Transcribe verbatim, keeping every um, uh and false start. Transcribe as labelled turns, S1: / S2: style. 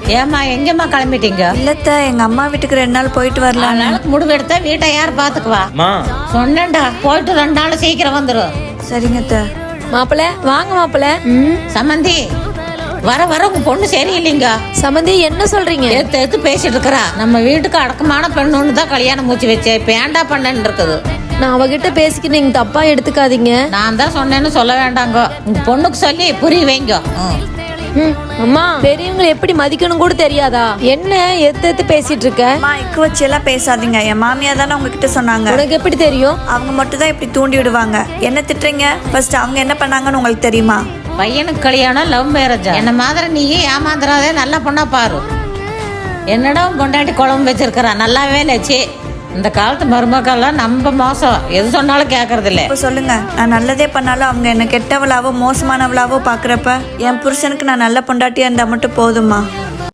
S1: ஏமா எங்கம்மா கிளம்பிட்டீங்க?
S2: இல்லத்த எங்க அம்மா வீட்டுக்கு ரெண்டு நாள் போயிட்டு வரலாம்.
S1: நாளுக்கு முடிவு எடுத்தா வீட்டை யார் பாத்துக்குவா? சொன்னேன்டா, போயிட்டு ரெண்டு நாள் சீக்கிரம் வந்துடும்.
S2: சரிங்கத்த.
S3: மாப்பிள்ள வாங்க மாப்பிள்ள.
S1: சமந்தி வர வர உங்க பொண்ணு சரியில்லைங்க.
S3: சமந்தி என்ன சொல்றீங்க?
S1: எடுத்து எடுத்து பேசிட்டு இருக்கிறா. நம்ம வீட்டுக்கு அடக்கமான பெண்ணு தான் கல்யாணம் மூச்சு வச்சேன். இப்ப ஏண்டா பண்ணன்னு இருக்குது.
S3: நான் அவகிட்ட பேசிக்க நீங்க தப்பா எடுத்துக்காதீங்க.
S1: நான் தான் சொன்னேன்னு சொல்ல வேண்டாங்க. உங்க பொண்ணுக்கு சொல்லி புரிய வைங்க.
S3: அம்மா பெரியவங்களை எப்படி மதிக்கணும் கூட தெரியாதா? என்ன எத்து எத்து பேசிட்டு இருக்க?
S2: அம்மா இக்கு வச்சு எல்லாம் பேசாதீங்க. என் மாமியா தானே உங்ககிட்ட சொன்னாங்க.
S3: உனக்கு எப்படி தெரியும்?
S2: அவங்க மட்டும் தான் இப்படி தூண்டி விடுவாங்க. என்ன திட்டுறீங்க? ஃபர்ஸ்ட் அவங்க என்ன பண்ணாங்கன்னு உங்களுக்கு தெரியுமா?
S1: பையனுக்கு கல்யாணம் லவ் மேரேஜ். என்ன மாதிரி நீயே ஏமாந்துடாதே, நல்ல பொண்ணா பாரு. என்னடா கொண்டாட்டி குழம்பு வச்சிருக்கிறா. நல்லாவே லட்சி. இந்த காலத்து மருமக்கள்லாம் நம்ம மோசம், எது சொன்னாலும் கேட்கறது இல்லை.
S2: இப்போ சொல்லுங்க, நான் நல்லதே பண்ணாலும் அவங்க என்ன கெட்டவளாவோ மோசமானவளாவோ பாக்குறப்ப என் புருஷனுக்கு நான் நல்ல பொண்டாட்டியா இருந்தா மட்டும் போதுமா?